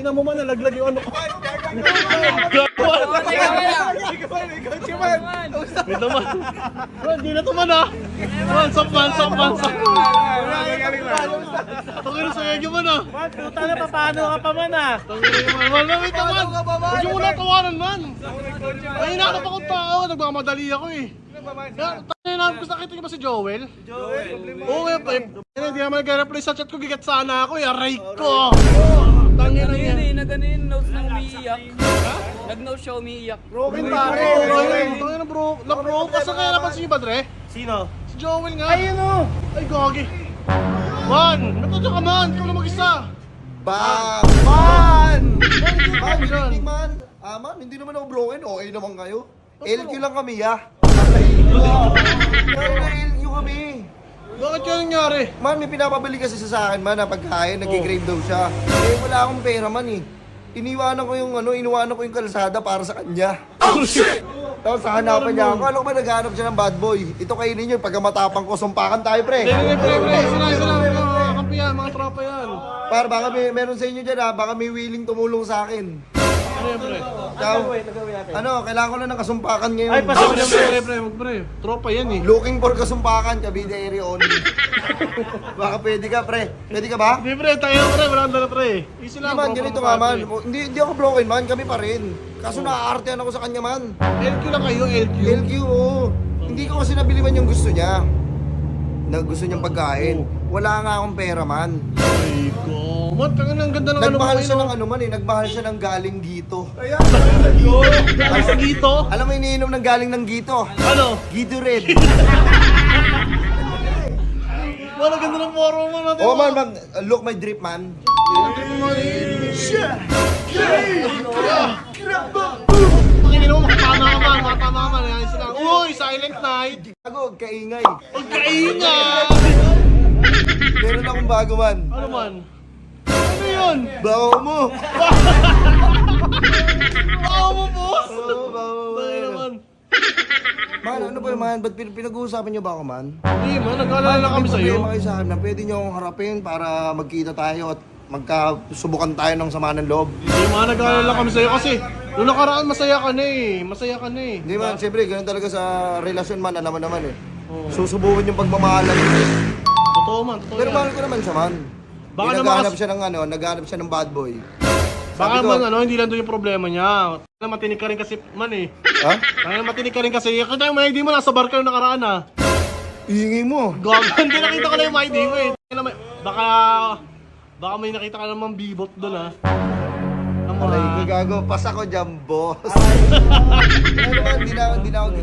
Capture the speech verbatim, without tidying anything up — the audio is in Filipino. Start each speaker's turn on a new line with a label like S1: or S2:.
S1: Ina mo man, nalaglag yung ano ko. Wait naman. Man, di na to man ah. Man, sakman, sakman, sakman. Tangin na sa'yo man ah.
S2: Man, puta na, paano ka pa man ah?
S1: Tangin na man, man, wait naman. Huwag yung muna tawanan man. Ay, hinanap akong tao, nagmamadali ako eh. Tangin na, gusto nakita niyo ba si Joel?
S2: Joel.
S1: Oo nga pa eh. Hindi naman nag-reply sa chat ko, gigat sana ako eh. Aray ko. Tangin na yan.
S3: Hindi, nag-ano yun, notes na umiiyak. Nag-note siya umiiyak.
S1: Broken pare. Tangin na bro. Na-bro. Kasi kaya napansin niyo ba, Dre?
S2: Sino?
S1: Si Joel nga.
S2: Ayun o!
S1: Ay, gagi. Man, natadya ka man. Ikaw na mag-isa.
S4: Bang! Man!
S1: Man,
S4: Man,
S1: dyan.
S4: hindi man. Ah, man, hindi naman ako broken. Okay naman kayo. L Q lang kami, ya. Pero na L Q kami.
S1: Bakit kaya nangyari?
S4: Man, may pinapabili kasi sa akin, man, na pagkain, nag-grave daw siya. Eh, wala akong pera, man, eh. Iniwanan ko yung, ano, iniwanan ko yung kalsada para sa kanya.
S1: Oh, shit!
S4: Tapos hahanapan niya ako. Alam ko ba naghanap siya ng bad boy? Ito kainin niyo, pagka matapang ko, sumpakan tayo, pre.
S1: Hindi, hindi, pre, pre. Sila, sila. Mga kampi yan, mga tropa yan.
S4: Para baka may, meron sa inyo dyan, ha? Baka may willing tumulong sa akin.
S1: Ano yan, pre?
S4: Ciao. Ano, kailangan ko na ng kasumpakan ngayon.
S2: Ay, pas-
S1: Pre, pre, pre, pre, mag pre. Tropa yan eh.
S4: Looking for kasumpakan, Cavite area only. Baka pwede ka, pre. Pwede ka ba?
S1: Hindi, pre. Tayo, pre. Maranda na, pre. Easy
S4: Hindi
S1: lang.
S4: man,
S1: tropa
S4: ganito
S1: mo,
S4: nga man.
S1: pre.
S4: Hindi, hindi ako broken man, kami pa rin. Kaso naaartehan ako sa kanya man.
S1: L Q lang kayo, L Q.
S4: L Q, oo. Hindi ko kasi nabili man yung gusto niya. Na gusto niyang pagkain. Wala nga akong pera man.
S1: Ay, ko. Mat, ang ang ganda ng ano
S4: Nagmahal
S1: mo
S4: siya
S1: ngayon,
S4: ng ano man eh, nagmahal siya ng galing gito.
S1: oh. Ay, sa gito.
S4: Alam mo iniinom ng galing ng gito?
S1: Ano?
S4: Gito red.
S1: Wala ganda ng moro mo natin.
S4: Oh man, man, look my drip man.
S1: Pakingin mo, makatama ka man, makatama ka man. Ayos lang. Uy, Silent Night.
S4: Ako, kaingay.
S1: Huwag kaingat.
S4: Meron akong bago man.
S1: Ano man? Ano yun?
S4: Bawo mo.
S1: Baka mo, boss.
S4: Oo, bawo mo.
S1: Bakit naman?
S4: Man, ano ba man? Ba't pin- pinag-uusapan niyo ba ako man?
S1: Hindi man, nag-aalala kami
S4: May
S1: sa'yo.
S4: problema kayo sa akin na pwede niyo akong harapin para magkita tayo at magkasubukan tayo ng sama ng loob.
S1: Hindi man, nag-aalala kami sa'yo kasi noong nakaraan masaya ka na eh. Masaya ka na eh.
S4: Hindi man, siyempre, ganun talaga sa relasyon man, alam mo naman eh.
S1: Oo.
S4: Susubukan yung pagmamahalan.
S1: Totoo man, totoo
S4: Pero
S1: yan.
S4: mahal ko naman siya man.
S1: Baka
S4: Baka
S1: naman
S4: naghahanap
S1: kas-
S4: siya ng ano, naghahanap siya ng bad boy.
S1: Baka
S4: Sabi ko,
S1: man ano, hindi lang doon yung problema niya. Kaya matinig ka rin kasi man eh.
S4: ha?
S1: Kaya matinig ka rin kasi. Kaya may I D mo, nasa bar ka yung nakaraan ah.
S4: Iingay mo.
S1: Gag, hindi nakita ko na yung I D mo eh. Kaya naman- Baka, baka may nakita ka namang bibot doon ah. Ang mga-
S4: Aray, gagago. Pas ako dyan, boss. Ano naman, hindi na, hindi na ako